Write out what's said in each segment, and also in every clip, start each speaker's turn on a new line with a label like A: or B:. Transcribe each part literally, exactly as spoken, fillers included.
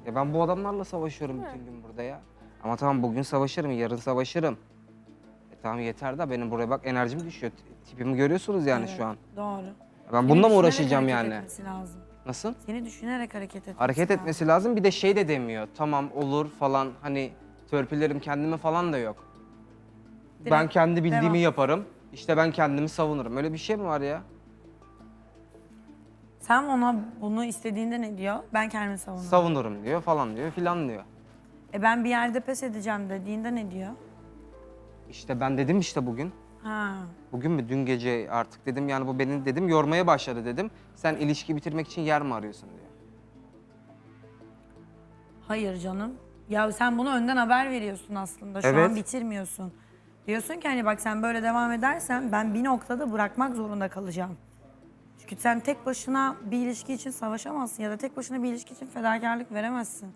A: Ya ben bu adamlarla savaşıyorum bütün gün burada ya. Ama tamam bugün savaşırım, yarın savaşırım. E tamam yeter de benim buraya bak enerjim düşüyor. Tipimi görüyorsunuz yani
B: Evet,
A: şu an.
B: Doğru.
A: Ben
B: Seni
A: bununla mı
B: düşünerek
A: uğraşacağım
B: hareket
A: yani?
B: etmesi lazım.
A: Nasıl?
B: Seni düşünerek hareket etmesi
A: Hareket
B: lazım.
A: etmesi lazım. Bir de şey de demiyor. Tamam olur falan hani törpülerim kendime falan da yok. ben
B: Direkt
A: kendi bildiğimi
B: devam.
A: yaparım. İşte ben kendimi savunurum. Öyle bir şey mi var ya?
B: Sen ona bunu istediğinde ne diyor? Ben kendimi savunurum.
A: Savunurum diyor falan diyor filan diyor.
B: E ben bir yerde pes edeceğim dediğinde ne diyor?
A: İşte ben dedim işte bugün.
B: Ha.
A: Bugün mü dün gece artık dedim yani bu beni dedim yormaya başladı dedim. Sen ilişki bitirmek için yer mi arıyorsun diyor.
B: Hayır canım. Ya sen bunu önden haber veriyorsun aslında. Şu
A: Evet.
B: an bitirmiyorsun. Diyorsun ki hani bak sen böyle devam edersen ben bir noktada bırakmak zorunda kalacağım. Çünkü sen tek başına bir ilişki için savaşamazsın ya da tek başına bir ilişki için fedakarlık veremezsin.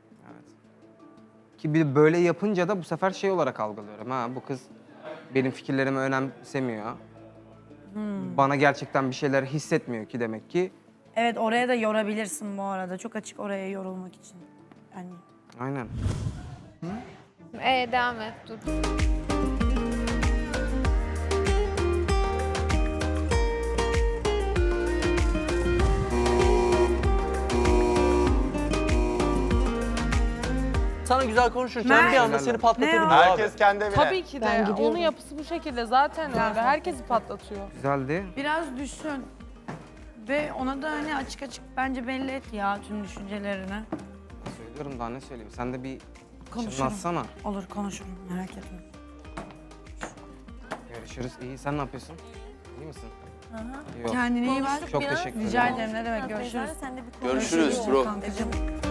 A: Ki bir böyle yapınca da bu sefer şey olarak algılıyorum. Ha bu kız benim fikirlerimi önemsemiyor. Bana gerçekten bir şeyler hissetmiyor ki demek ki.
B: Evet oraya da yorabilirsin bu arada. Çok açık oraya yorulmak için. Yani
A: Aynen.
C: Ee, devam et dur.
D: Sana güzel konuşurken
B: Mert.
D: bir anda seni patlatabilir
B: Ne o?
D: abi.
E: Herkes kendi evine.
F: Tabii ki de. Onun yapısı bu şekilde zaten öyle. Herkesi patlatıyor.
A: Güzeldi.
B: biraz düşün. Ve ona da hani açık açık bence belli et ya tüm düşüncelerini.
A: Söylüyorum daha ne söyleyeyim. Sen de bir
B: Konuşurum.
A: çınlatsana.
B: Olur konuşurum merak etme.
A: Görüşürüz. İyi sen ne yapıyorsun? İyi misin? Yok.
B: Kendine iyi bak.
A: Çok teşekkür ederim.
B: Rica ederim ne demek görüşürüz.
D: Görüşürüz bro.
B: Kankacığım.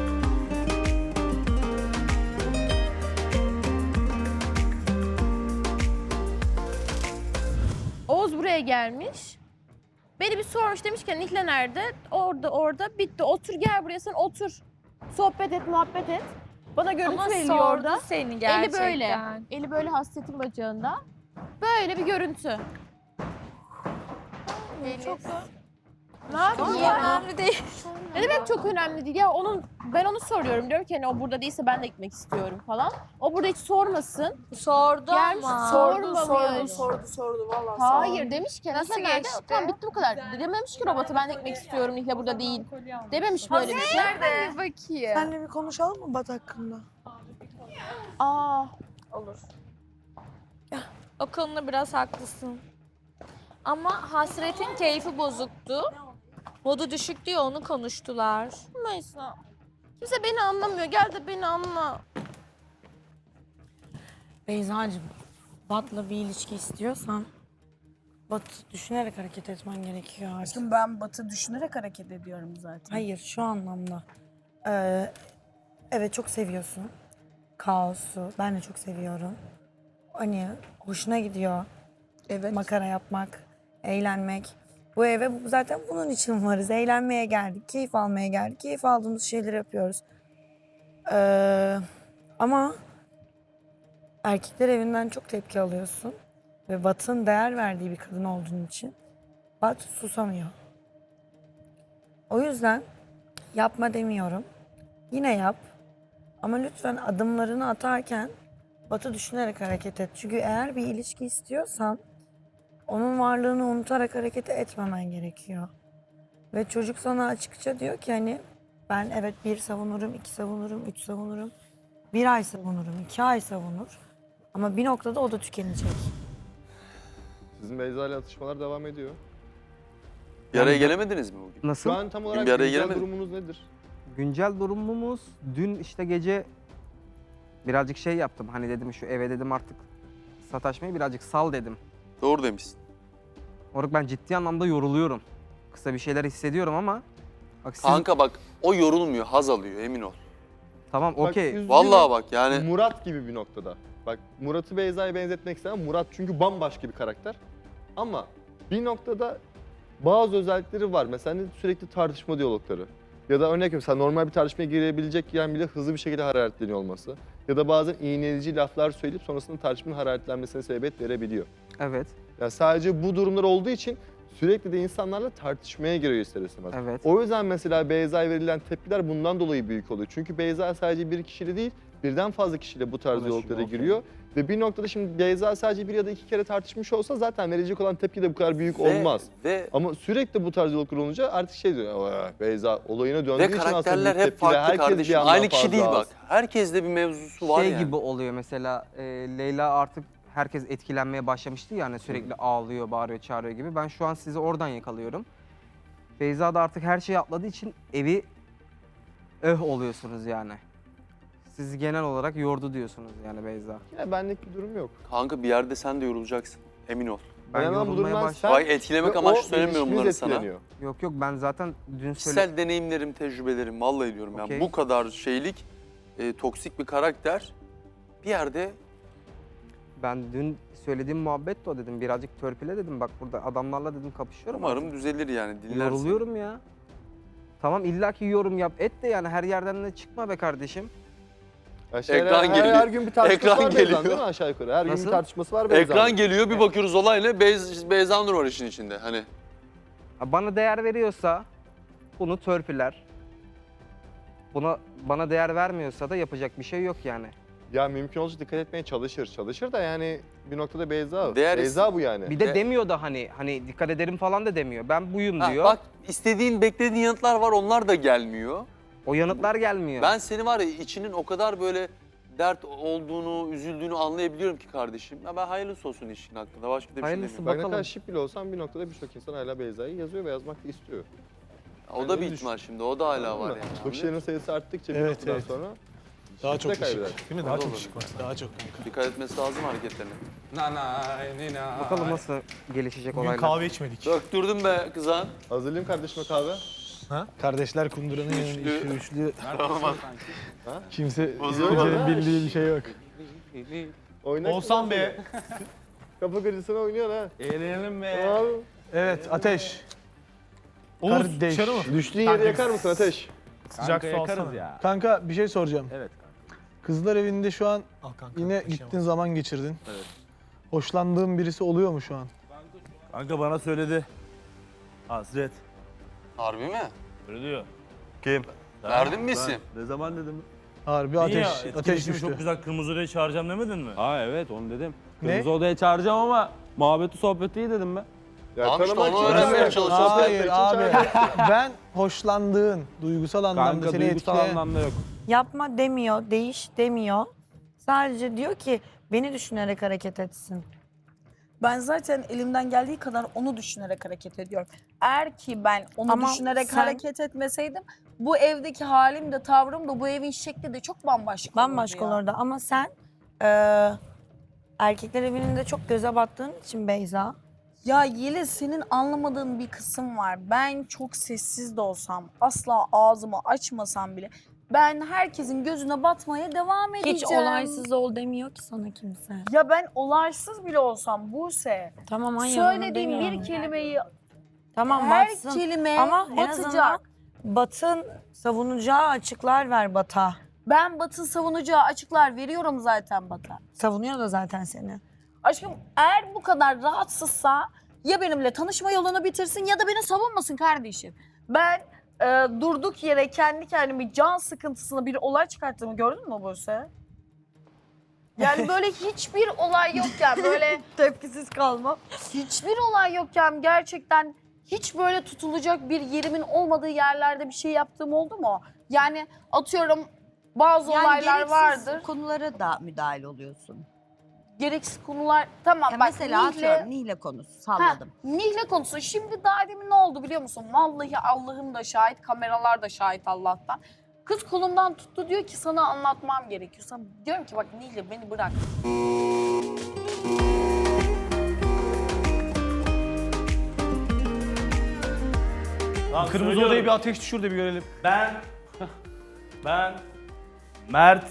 C: Oğuz buraya gelmiş. Beni bir sormuş demiş ki Nihle nerede? Orada orada bitti. Otur gel buraya sen otur. Sohbet et muhabbet et. Bana görüntü
G: Ama
C: veriliyor
G: sordu
C: orada.
G: seni gerçekten.
C: Eli böyle. Eli böyle hasretin bacağında. Böyle bir görüntü. Çok da... Ne yapayım ya?
G: Önemli değil.
C: Ne demek çok önemli değil ya onun ben onu soruyorum diyorum ki hani o burada değilse ben de gitmek istiyorum falan. O burada hiç sormasın.
G: Sordu
C: Gelmiş,
G: ama.
C: sordu,
G: sordu, sordu, sordu valla.
C: Hayır demiş ki
G: Nasıl
C: Nihle nerede?
G: geçti?
C: Tamam bitti bu kadar. Dememiş ki robota ben de gitmek istiyorum Nihle burada değil. Dememiş böyle bir şey.
G: Nerede? Bir bakayım.
H: Senle bir konuşalım mı Bat hakkında?
C: Aa
G: Olur. O konuda biraz haklısın. Ama hasretin keyfi bozuktu. Modu düşük diye onu konuştular.
C: Maysa. Kimse beni anlamıyor. Gel de beni anla.
B: Beyza'cığım, Bat'la bir ilişki istiyorsan Bat düşünerek hareket etmen gerekiyor artık.
H: Şimdi ben Batı düşünerek hareket ediyorum zaten.
B: Hayır şu anlamda. Ee, evet çok seviyorsun. Kaosu. Ben de çok seviyorum. Hani hoşuna gidiyor.
H: Evet.
B: Makara yapmak, eğlenmek. Bu eve bu- zaten bunun için varız. Eğlenmeye geldik, keyif almaya geldik. Keyif aldığımız şeyleri yapıyoruz. Ee, ama erkekler evinden çok tepki alıyorsun. Ve Bat'ın değer verdiği bir kadın olduğun için Bat susamıyor. O yüzden yapma demiyorum. Yine yap. Ama lütfen adımlarını atarken Batı düşünerek hareket et. Çünkü eğer bir ilişki istiyorsan onun varlığını unutarak hareket etmemen gerekiyor. Ve çocuk sana açıkça diyor ki hani ben evet bir savunurum, iki savunurum, üç savunurum. Bir ay savunurum, iki ay savunur. Ama bir noktada o da tükenecek.
E: Sizin Beyza ile atışmalar devam ediyor.
D: Bir araya gelemediniz mi bugün?
A: Nasıl?
E: Şu an tam olarak
D: bir araya
E: güncel
D: gelemedik.
E: durumunuz nedir?
A: Güncel durumumuz dün işte gece birazcık şey yaptım. Hani dedim şu eve dedim artık sataşmayı birazcık sal dedim.
D: Doğru demişsin.
A: Orada ben ciddi anlamda yoruluyorum. Kısa bir şeyler hissediyorum ama bak siz...
D: Kanka bak o yorulmuyor, haz alıyor emin ol.
A: Tamam
E: Bak,
A: okey.
E: üzgünüm.
D: Vallahi bak yani
E: Murat gibi bir noktada. Bak Murat'ı Beyza'ya benzetmek istemem. Murat çünkü bambaşka bir karakter. Ama bir noktada bazı özellikleri var. Mesela sürekli tartışma diyalogları. Ya da örnek veriyorum sen normal bir tartışmaya girebilecekken bile hızlı bir şekilde hararetleniyor olması. Ya da bazen iğneleyici laflar söyleyip sonrasında tartışmanın hararetlenmesine sebebiyet verebiliyor.
A: Evet.
E: Yani sadece bu durumlar olduğu için sürekli de insanlarla tartışmaya giriyor ister istemez.
A: Evet.
E: O yüzden mesela Beyza'ya verilen tepkiler bundan dolayı büyük oluyor. Çünkü Beyza sadece bir kişiyle değil, birden fazla kişiyle bu tarz
A: Konuşuyor,
E: diyaloglara
A: okey.
E: giriyor. Ve bir noktada şimdi Beyza sadece bir ya da iki kere tartışmış olsa zaten verecek olan tepki de bu kadar büyük
D: Ve-
E: olmaz.
D: Ve
E: Ama sürekli bu tarz diyaloglar olunca artık şey diyor, "Aa, Beyza olayına döndüğü
D: ve
E: için aslında
D: karakterler
E: büyük
D: hep
E: tepki ve
D: farklı
E: herkes bir
D: kardeşim.
E: yandan
D: Aynı kişi
E: fazla
D: değil
E: az."
D: bak. Herkeste bir mevzusu var
A: Şey
D: yani.
A: gibi oluyor mesela e, Leyla artık herkes etkilenmeye başlamıştı yani sürekli ağlıyor, bağırıyor, çağırıyor gibi. Ben şu an sizi oradan yakalıyorum. Beyza da artık her şeyi atladığı için evi öh oluyorsunuz yani. Siz genel olarak yordu diyorsunuz yani Beyza.
E: Yine benlik bir durum yok.
D: Kanka bir yerde sen de yorulacaksın. Emin ol.
A: Ben
E: Önemli olan bu
A: yorulmaya
E: durumdan
A: başladım.
D: Ay etkilemek
E: ve
D: amaçlı
E: o
D: söylemiyorum bunları
E: ilişkiniz
D: sana.
E: etkileniyor.
A: Yok yok ben zaten dün söyledim.
D: Kişisel deneyimlerim, tecrübelerim vallahi diyorum
A: Okey.
D: yani bu kadar şeylik, e, toksik bir karakter bir yerde
A: Ben dün söylediğim muhabbet de o dedim. Birazcık törpüle dedim. Bak burada adamlarla dedim kapışıyorum.
D: umarım düzelir yani dinlersin.
A: Yoruluyorum ya. Tamam illaki yorum yap et de yani her yerden de çıkma be kardeşim.
E: Aşağı
D: Ekran
E: her,
D: geliyor.
E: Her gün bir tartışması
D: Ekran
E: var Beyza'nın
D: geliyor.
E: değil mi aşağı yukarı? Her gün
A: Nasıl?
E: bir tartışması var Beyza'nın.
D: Ekran geliyor bir bakıyoruz olayla Beyz, Beyza Nur var işin içinde hani.
A: Ha, bana değer veriyorsa bunu törpüler. Buna bana değer vermiyorsa da yapacak bir şey yok yani.
E: Ya mümkün olunca dikkat etmeye çalışır. Çalışır da yani bir noktada Beyza.
D: Değer-
E: Beyza bu yani.
A: Bir de
D: De-
A: demiyor da hani hani dikkat ederim falan da demiyor. Ben buyum
D: Ha,
A: diyor.
D: bak istediğin beklediğin yanıtlar var onlar da gelmiyor.
A: O yanıtlar gelmiyor.
D: Ben seni var ya içinin o kadar böyle dert olduğunu, üzüldüğünü anlayabiliyorum ki kardeşim. Ya ben hayırlısı olsun işin hakkında başka da bir
A: Hayırlısı
D: şey
E: Bak
D: demiyorum.
E: ne
A: bakalım.
E: kadar şık bile olsam bir noktada birçok insan hala Beyza'yı yazıyor ve yazmak da istiyor.
D: O da
E: Ben
D: bir
E: öyle
D: ihtimal şimdi o da hala var
E: Anladın mı?
D: yani.
E: Bakışların sayısı arttıkça bir
I: Evet,
E: noktadan
I: evet.
E: sonra
I: Daha çok
E: şıkta
I: ışık.
E: kaybeder.
I: Değil mi?
D: O
I: Daha
D: da
I: çok
D: olur.
I: ışık var. Daha çok kanka.
D: Dikkat etmesi lazım hareketlerine.
A: Bakalım nasıl gelişecek
I: Bugün
A: olaylar.
I: kahve içmedik.
D: Döktürdüm be kızan.
E: Hazırlayayım kardeşime kahve.
I: Ha? Kardeşler kunduranın yanı
D: Üçlü.
I: üçlü üçlü.
E: Ha?
I: Kimse
E: Bozuyor
I: kimsenin
E: mu?
I: bildiği bir şey yok.
E: Oynak
I: Olsan be.
E: Kafa kırıcısına oynuyor ha.
I: Eğlenelim
E: Tamam.
I: Evet Ateş. Oğuz
E: Kardeş.
I: dışarı mı?
E: Düştüğün yeri yakar mısın Ateş?
I: Sıcak su alsana. Kanka bir şey soracağım.
J: Evet.
I: Kızlar evinde şu an yine gittin zaman geçirdin.
J: Evet.
I: Hoşlandığın birisi oluyor mu şu an?
J: Kanka bana söyledi. Hasret.
D: Harbi mi?
J: Öyle diyor. Kim?
D: Verdin mi isim?
J: Ne zaman dedim?
I: Harbi ateş, ateş düştü.
J: Çok güzel kırmızı odaya çağıracağım demedin mi?
K: Aa evet onu dedim.
I: Ne?
K: Kırmızı odaya çağıracağım ama muhabbeti sohbeti iyi dedim ben.
E: Ya
D: Tamam işte
E: tanımak
D: onu
E: için
D: öğrenmeye
E: çağırıyor.
D: çalışıyoruz.
E: Sohbet
I: Hayır
E: etmek için
I: abi.
E: çağırıyor.
I: Ben hoşlandığın, duygusal anlamda
K: Kanka
I: seni
K: duygusal
I: etkileyen...
K: anlamda yok.
B: Yapma demiyor, değiş demiyor. Sadece diyor ki beni düşünerek hareket etsin.
H: Ben zaten elimden geldiği kadar onu düşünerek hareket ediyorum. Eğer ki ben onu
B: Ama
H: düşünerek
B: sen-
H: hareket etmeseydim bu evdeki halim de tavrım da bu evin şekli de çok bambaşka
B: Bambaşka
H: olurdu ya.
B: olurdu ama sen eee erkekler evinin de çok göze battığın için Beyza.
H: Ya Yeliz senin anlamadığın bir kısım var. Ben çok sessiz de olsam, asla ağzımı açmasam bile ben herkesin gözüne batmaya devam edeceğim.
B: Hiç olaysız ol demiyor ki sana kimse.
H: Ya ben olaysız bile olsam Buse,
B: Tamam hayır onu
H: söylediğim
B: demiyorum.
H: bir kelimeyi
B: Tamam
H: her
B: batsın.
H: kelime
B: Ama en azından
H: batacak.
B: Batın savunacağı açıklar ver Bat'a.
H: Ben Batın savunacağı açıklar veriyorum zaten Bat'a.
B: Savunuyor da zaten seni.
H: Aşkım eğer bu kadar rahatsızsa ya benimle tanışma yolunu bitirsin ya da beni savunmasın kardeşim. Ben e, durduk yere kendi kendimi can sıkıntısına bir olay çıkarttığımı gördün mü Buse? Yani böyle hiçbir olay yokken böyle
B: Tepkisiz kalma.
H: hiçbir olay yokken gerçekten hiç böyle tutulacak bir yerimin olmadığı yerlerde bir şey yaptığım oldu mu? Yani atıyorum bazı olaylar vardır.
L: konulara da müdahil oluyorsun.
H: Gereksiz konular tamam
L: Ya
H: bak
L: mesela
H: Nihle-
L: atıyorum Nihle konusu salladım.
H: Ha, Nihle konusu. Şimdi daha demin ne oldu biliyor musun? Vallahi Allah'ım da şahit, kameralar da şahit Allah'tan. Kız kolumdan tuttu diyor ki sana anlatmam gerekiyor. Sana diyorum ki bak Nihle beni bırak.
J: Tamam,
I: Kırmızı
J: söylüyorum.
I: odaya bir ateş düşür de bir görelim.
J: Ben, ben, Mert,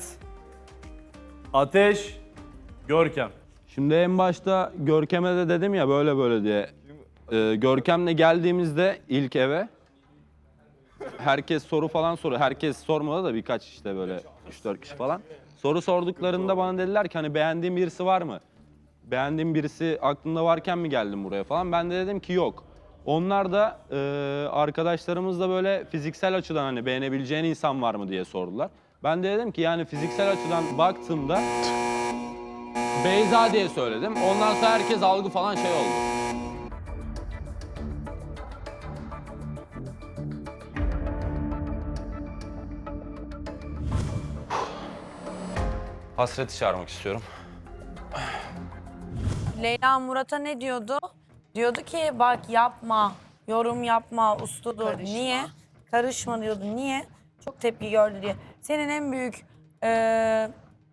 J: Ateş, Görkem.
K: Şimdi en başta Görkem'e de dedim ya böyle böyle diye. Ee, Görkem'le geldiğimizde ilk eve herkes soru falan soruyor. Herkes sormadı da birkaç işte böyle üç dört kişi falan. Soru sorduklarında bana dediler ki hani beğendiğin birisi var mı? Beğendiğin birisi aklında varken mi geldin buraya falan? Ben de dedim ki yok. Onlar da e, arkadaşlarımız da böyle fiziksel açıdan hani beğenebileceğin insan var mı diye sordular. Ben de dedim ki yani fiziksel açıdan baktığımda Beyza diye söyledim. Ondan sonra herkes algı falan şey oldu. Hasret'i çağırmak istiyorum.
B: Leyla Murat'a ne diyordu? Diyordu ki bak yapma, yorum yapma, usludur.
H: Karışma.
B: Niye? Karışma diyordu. Niye? Çok tepki gördü diye. Senin en büyük eee,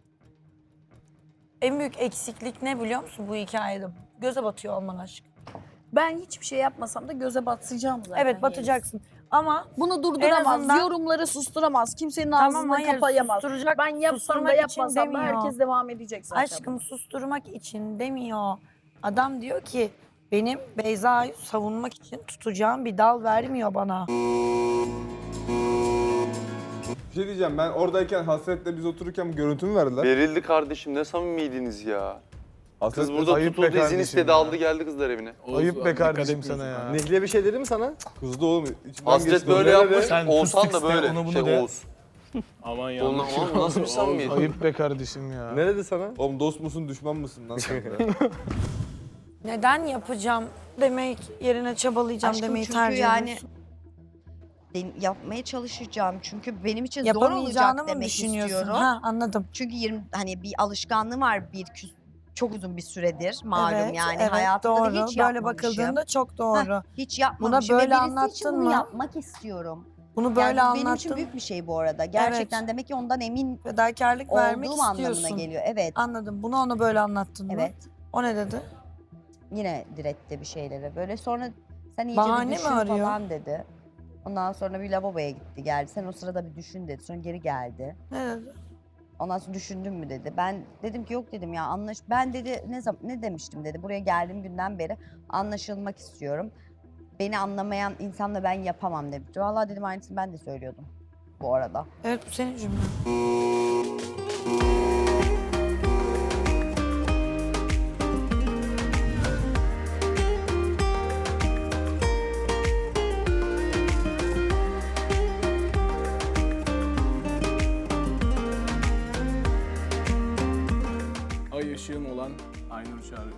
B: en büyük eksiklik ne biliyor musun bu hikayede? Göze batıyor olman aşk.
H: Ben hiçbir şey yapmasam da göze batacağım zaten.
B: Evet batacaksın. Ama
H: Bunu durduramaz,
B: azından-
H: yorumları susturamaz, kimsenin
B: tamam
H: ağzını
B: hayır
H: kapayamaz.
B: susturacak,
H: Ben yapsam da
B: susturmak için
H: yapmasam da
B: demiyor.
H: herkes devam edecek zaten.
B: Aşkım susturmak için demiyor. Adam diyor ki benim Beyza'yı savunmak için tutacağım bir dal vermiyor bana.
M: Bir şey diyeceğim, ben oradayken Hasret'le biz otururken bu görüntümü verdiler.
D: Verildi kardeşim, ne samimiydiniz ya.
M: Hasret
D: Kız burada
M: ayıp be
D: tutuldu, izin
M: kardeşim
D: istedi,
M: ya.
D: aldı geldi kızlar evine.
M: Ayıp be kardeşim sana ya.
E: Nihle bir şey dedi mi sana?
M: Kızdı oğlum. içinden
D: Hasret
M: geçti.
D: böyle
M: Nerede?
D: yapmış,
I: Sen
D: Oğuzhan
I: fıstık
D: da
I: iste,
D: böyle.
I: onu bunu
D: Şey
I: de.
D: Oğuz.
I: Aman ya.
D: Oğlum, oğlum nasıl bir samimiyet?
I: Ayıp be kardeşim ya.
E: Ne dedi sana?
M: Oğlum dost musun düşman mısın lan sen de?
B: Neden yapacağım demek yerine çabalayacağım
L: Aşkım
B: demeyi
L: çünkü
B: tercih
L: yani
B: ediyorsun.
L: den- yapmaya çalışacağım çünkü benim için zor
B: Yapamayacağını
L: olacak
B: mı
L: demek
B: düşünüyorsun?
L: istiyorum.
B: Ha anladım.
L: Çünkü yirmi hani bir alışkanlığı var bir küs, çok uzun bir süredir malum
B: evet,
L: yani
B: evet,
L: hayatımda
B: doğru.
L: da hiç
B: Böyle
L: yapmamışım.
B: bakıldığında çok doğru.
L: Heh, hiç yapmamışım
B: böyle
L: ve birisi için
B: anlattın
L: bunu
B: mı?
L: yapmak istiyorum.
B: Bunu böyle
L: Yani bu benim için
B: anlattın.
L: büyük bir şey bu arada. Gerçekten demek ki ondan emin
B: Fedakarlık vermek
L: olduğum anlamına
B: istiyorsun.
L: geliyor. Evet.
B: Anladım. Bunu ona böyle anlattın mı?
L: Evet.
B: O ne dedi?
L: Yine diretti bir şeylere. Böyle sonra sen iyice
B: Bahane
L: bir
B: mi
L: düşün
B: arıyor?
L: falan dedi. Ondan sonra bir lavaboya gitti geldi. Sen o sırada bir düşün dedi. Sonra geri geldi.
B: Ne dedi?
L: Ondan sonra düşündün mü dedi. Ben dedim ki yok dedim ya anlaş. Ben dedi ne zaman ne demiştim dedi. Buraya geldiğim günden beri anlaşılmak istiyorum. Beni anlamayan insanla ben yapamam demişti. Vallahi dedim aynısını ben de söylüyordum bu arada.
B: Evet bu senin cümlen.
I: Ay ışığım olan Aynur Çağrı.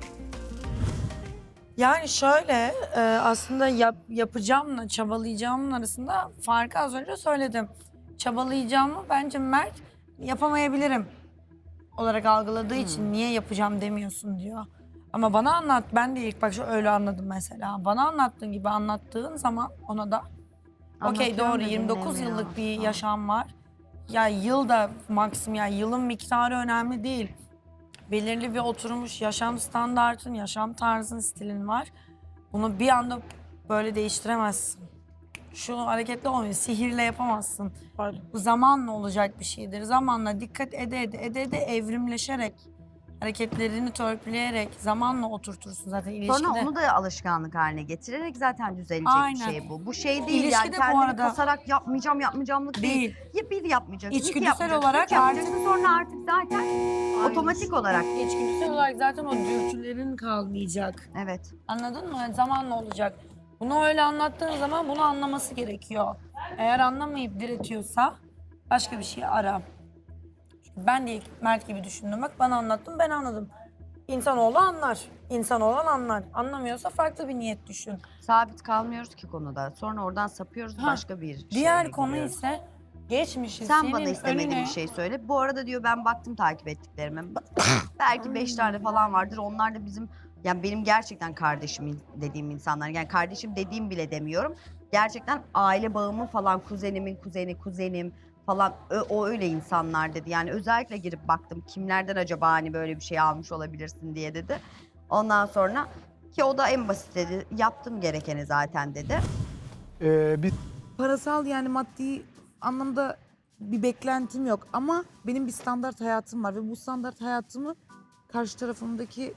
B: Yani şöyle e, aslında yap, yapacağımla çabalayacağımın arasında farkı az önce söyledim. Çabalayacağımı bence Mert yapamayabilirim olarak algıladığı için niye yapacağım demiyorsun diyor. Ama bana anlat, ben de ilk başta öyle anladım mesela. Bana anlattığın gibi anlattığın zaman ona da okey
L: Anlatıyorum
B: doğru
L: da
B: yirmi dokuz
L: dinlemiyor.
B: yıllık bir
L: Ha.
B: yaşam var. Ya yıl da maksimum ya yılın miktarı önemli değil. Belirli bir oturmuş yaşam standartın, yaşam tarzın, stilin var. Bunu bir anda böyle değiştiremezsin. Şu hareketli olmuyor, sihirle yapamazsın. Bu zamanla olacak bir şeydir. Zamanla dikkat ede ede ede ede evrimleşerek, hareketlerini törpüleyerek zamanla oturtursun zaten ilişkide.
L: Sonra onu da alışkanlık haline getirerek zaten düzelecek
B: Aynen.
L: bir şey bu. Bu şey değil
B: İlişkide
L: yani
B: bu
L: kendini
B: arada-
L: kasarak yapmayacağım yapmayacağımlık değil.
B: Değil.
L: Ya bir yapmayacaksın, iki
B: İçgüdüsel
L: yapacaksın,
B: olarak
L: üç yapacaksın sonra artık zaten otomatik olarak.
B: İçgüdüsel olarak zaten o dürtülerin kalmayacak.
L: Evet.
B: Anladın mı? Zamanla olacak. Bunu öyle anlattığın zaman bunu anlaması gerekiyor. Eğer anlamayıp diretiyorsa başka bir şey ara. Çünkü ben de ilk Mert gibi düşündüm. Bak bana anlattın, ben anladım. İnsanoğlu anlar. İnsan olan anlar. Anlamıyorsa farklı bir niyet düşün.
L: Sabit kalmıyoruz ki konuda. Sonra oradan sapıyoruz
B: Ha,
L: başka bir şeye
B: Diğer konu
L: giriyoruz.
B: ise geçmişi
L: Sen
B: senin
L: bana istemediğin
B: önüne...
L: bir şey söyle. Bu arada diyor ben baktım takip ettiklerime. Belki beş tane falan vardır. Onlar da bizim yani benim gerçekten kardeşim dediğim insanlar. Yani kardeşim dediğim bile demiyorum. Gerçekten aile bağımı falan kuzenimin kuzeni kuzenim falan ö- o öyle insanlar dedi. Yani özellikle girip baktım kimlerden acaba hani böyle bir şey almış olabilirsin diye dedi. Ondan sonra ki o da en basit dedi. Yaptım gerekeni zaten dedi.
I: Ee, biz
N: Parasal yani maddi anlamda bir beklentim yok ama benim bir standart hayatım var ve bu standart hayatımı karşı tarafımdaki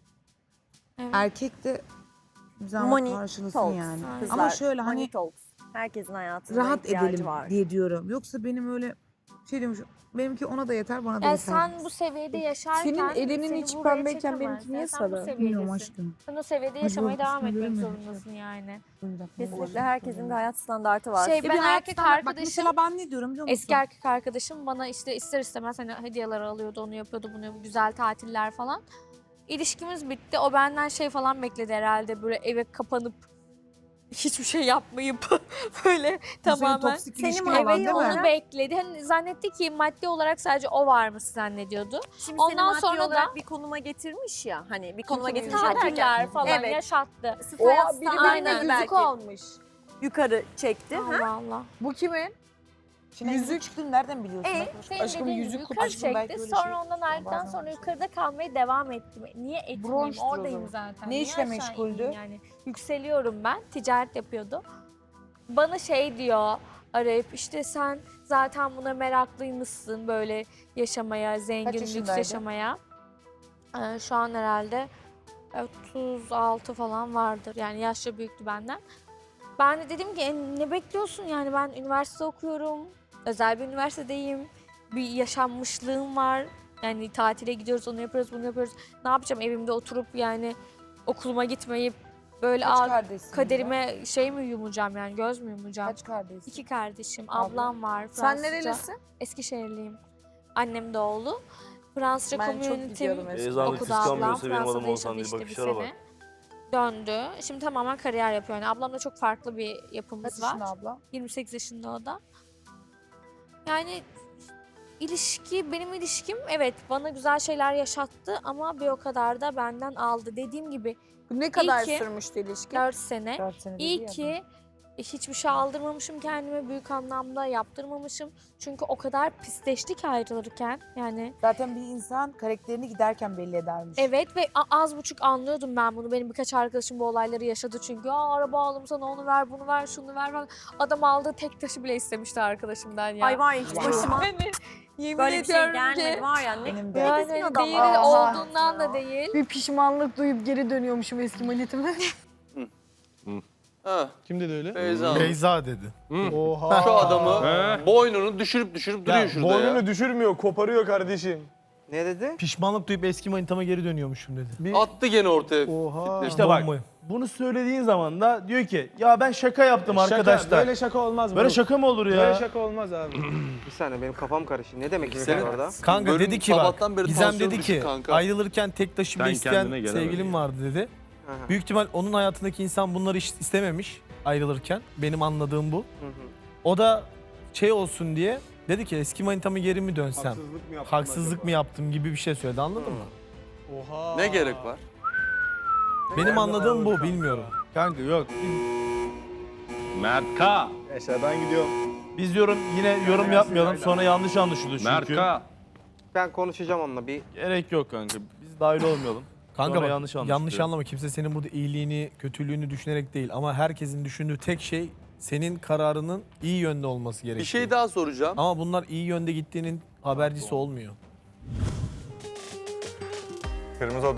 N: erkek de bir zahmet
H: Money
N: karşılasın
H: talks.
N: yani.
H: Kızlar,
N: Ama şöyle
H: money
N: hani
H: talks. Herkesin hayatında
N: rahat
H: ihtiyacı
N: edelim
H: var.
N: diye diyorum. Yoksa benim öyle Şey diyormuş, benimki ona da yeter, bana da
G: Yani
N: yeter.
G: sen bu seviyede yaşarken
F: Senin elinin
G: seni
F: içi
G: buraya
F: pembeyken
G: çekemez.
F: benimki niye
G: Yani sen bu
F: sarı?
N: Bilmiyorum
G: seviyedesin.
N: aşkım.
G: Sen o seviyede
N: Hadi
G: yaşamaya
N: bak,
G: devam
N: üstüne
G: etmek
N: göremedim.
G: zorundasın yani.
B: Kesinlikle herkesin bir hayat standartı var.
G: Şey
N: E bir
G: ben
N: hayat
G: erkek
N: standart- bak
G: arkadaşım,
N: mesela ben ne diyorum biliyor musun?
G: eski erkek arkadaşım bana işte ister istemez hani hediyeler alıyordu, onu yapıyordu, bunu yapıyordu, güzel tatiller falan. İlişkimiz bitti. O benden şey falan bekledi herhalde, böyle eve kapanıp hiçbir şey yapmayıp böyle
N: Bu senin
G: tamamen
N: toksik
B: Senin
N: ilişkin
B: eve
N: olan değil mi?
G: onu bekledi. Hani zannetti ki maddi olarak sadece o varmış zannediyordu.
B: Şimdi
G: Ondan
B: seni maddi
G: sonra da-
B: olarak bir konuma getirmiş ya. Hani bir konuma getirmiş
G: Tatiller
B: derken.
G: falan
B: Evet.
G: yaşattı.
B: Sırf hayat
F: Oha biri
B: standartını
F: birine yüzük
B: belki
F: almış.
B: yukarı çekti. Ha?
G: Allah Allah.
F: Bu kimin?
N: Şimdi yüzük çıktığını nereden biliyorsun?
B: E,
G: Senin
N: Aşkım,
G: dediğin
N: yüzük
G: gibi
N: kutu-
G: yukarı
N: aşkım belki
G: çekti.
N: öyle
G: Sonra
N: şey-
G: ondan ayrıldıktan
N: Bazen
G: sonra
N: öyle
G: yukarıda kalmaya devam ettim. Niye etmeyeyim?
N: Bronştur o
G: Oradayım
N: zaman.
G: zaten.
N: Ne
G: Niye
N: işle
G: aşağı
N: meşguldü?
G: ineyim Yani yükseliyorum ben. Ticaret yapıyordu. Bana şey diyor arayıp, işte sen zaten buna meraklıymışsın, böyle yaşamaya, zengin, lüks
N: yaşındaydı?
G: yaşamaya. Ee, şu an herhalde otuz altı falan vardır. Yani yaşça büyüktü benden. Ben de dedim ki "E, ne bekliyorsun, yani ben üniversite okuyorum. Özel bir üniversitedeyim. Bir yaşanmışlığım var. Yani tatile gidiyoruz, onu yapıyoruz, bunu yapıyoruz. Ne yapacağım evimde oturup yani okuluma gitmeyip böyle
N: Kaç
G: al,
N: kardeşsin?
G: kaderime şey mi yumacağım, yani göz mü yumacağım?
N: Kaç kardeşsin?
G: İki kardeşim,
N: Abla?
G: ablam var.
F: Sen
G: Fransızca.
F: nerelisin?
G: Eskişehirliyim. Annem de oğlu. Fransızca
F: Ben çok
G: community'm
F: gidiyordum eskiden.
J: Beyza Hanım
G: okudu
J: kıskanmıyorsa
G: ablam.
J: benim
G: Fransa'da
J: adım Oğuzhan
G: yaşadı
J: değil,
G: işte bir
J: bakışlara bak.
G: sene. Döndü. Şimdi tamamen kariyer yapıyor. Yani ablamla çok farklı bir
N: Kaç
G: yapımız var.
N: yaşında abla?
G: yirmi sekiz yaşında o da. Yani ilişki, benim ilişkim evet bana güzel şeyler yaşattı ama bir o kadar da benden aldı. Dediğim gibi
F: Bu ne kadar
G: ki-
F: sürmüştü ilişki?
G: dört sene.
N: dört sene dedi
G: İyi
N: ya
G: ki hiçbir şey aldırmamışım kendime, büyük anlamda yaptırmamışım. Çünkü o kadar pisleştik ayrılırken yani.
N: Zaten bir insan karakterini giderken belli edermiş.
G: Evet ve a- az buçuk anlıyordum ben bunu. Benim birkaç arkadaşım bu olayları yaşadı çünkü. Aa, araba aldım sana, onu ver, bunu ver, şunu ver falan. Adam aldığı tek taşı bile istemişti arkadaşımdan ya.
B: Ay var ya hiç başıma
G: Yani yemin
B: böyle bir şey
G: ediyorum
B: gelmedi
G: ki.
B: var ya. Ne,
N: Benim de.
B: ne
G: Yani
B: düzgün adam
G: değil
B: var.
F: Aha.
G: olduğundan da değil.
F: Bir pişmanlık duyup geri dönüyormuşum eski manitime.
D: Ha,
I: Kim dedi öyle?
D: Beyza Hanım.
I: Beyza dedi. Oha.
D: Şu adamı boynunu düşürüp düşürüp duruyor
M: Ya,
D: şurada
M: boynunu
D: ya.
M: düşürmüyor, koparıyor kardeşim.
A: Ne dedi?
I: Pişmanlık duyup eski manitama geri dönüyormuşum dedi. Bir,
D: Attı gene ortaya.
M: Oha.
I: işte bak
M: Bombayı.
I: bunu söylediğin zaman da diyor ki ya ben şaka yaptım
M: Şaka,
I: arkadaşlar.
M: Böyle şaka olmaz.
I: Böyle
M: bro.
I: şaka mı olur ya?
M: Böyle şaka olmaz abi.
A: Bir saniye benim kafam karıştı. Ne demek istiyor
D: Senin-
A: orada?
O: Kanka
D: Bölüm
O: dedi ki bak,
D: sabahtan beri
O: Gizem
D: tansiyon
O: dedi
D: düşük
O: ki
D: kanka.
O: ayrılırken tek taşıma
K: Ben
O: isteyen
K: kendine gelemedim
O: sevgilim
K: ya.
O: vardı dedi.
A: Aha.
O: Büyük ihtimal onun hayatındaki insan bunları hiç istememiş ayrılırken. Benim anladığım bu.
A: Hı hı.
O: O da şey olsun diye dedi ki eski manitamı geri mi dönsem?
M: Haksızlık mı yaptın
O: Haksızlık
M: acaba?
O: mı yaptım gibi bir şey söyledi, anladın mı?
I: Oha.
D: Ne gerek var?
O: Benim anladığım bu, bilmiyorum.
I: Kanka yok.
K: Mert K.
M: Neyse ben gidiyorum.
I: Biz yorum yine yorum yapmayalım sonra yanlış anlaşılır
K: Mert
I: çünkü.
K: K.
A: Ben konuşacağım onunla bir.
I: Gerek yok kanka. Biz dahil olmayalım.
O: Kanka
I: Sonra
O: bak,
I: yanlış
O: yanlış,
I: anlaşılıyor.
O: anlama, kimse senin burada iyiliğini, kötülüğünü düşünerek değil ama herkesin düşündüğü tek şey senin kararının iyi yönde olması gerekiyor.
D: Bir şey daha soracağım.
O: Ama bunlar iyi yönde gittiğinin habercisi olmuyor.
M: Kırmızı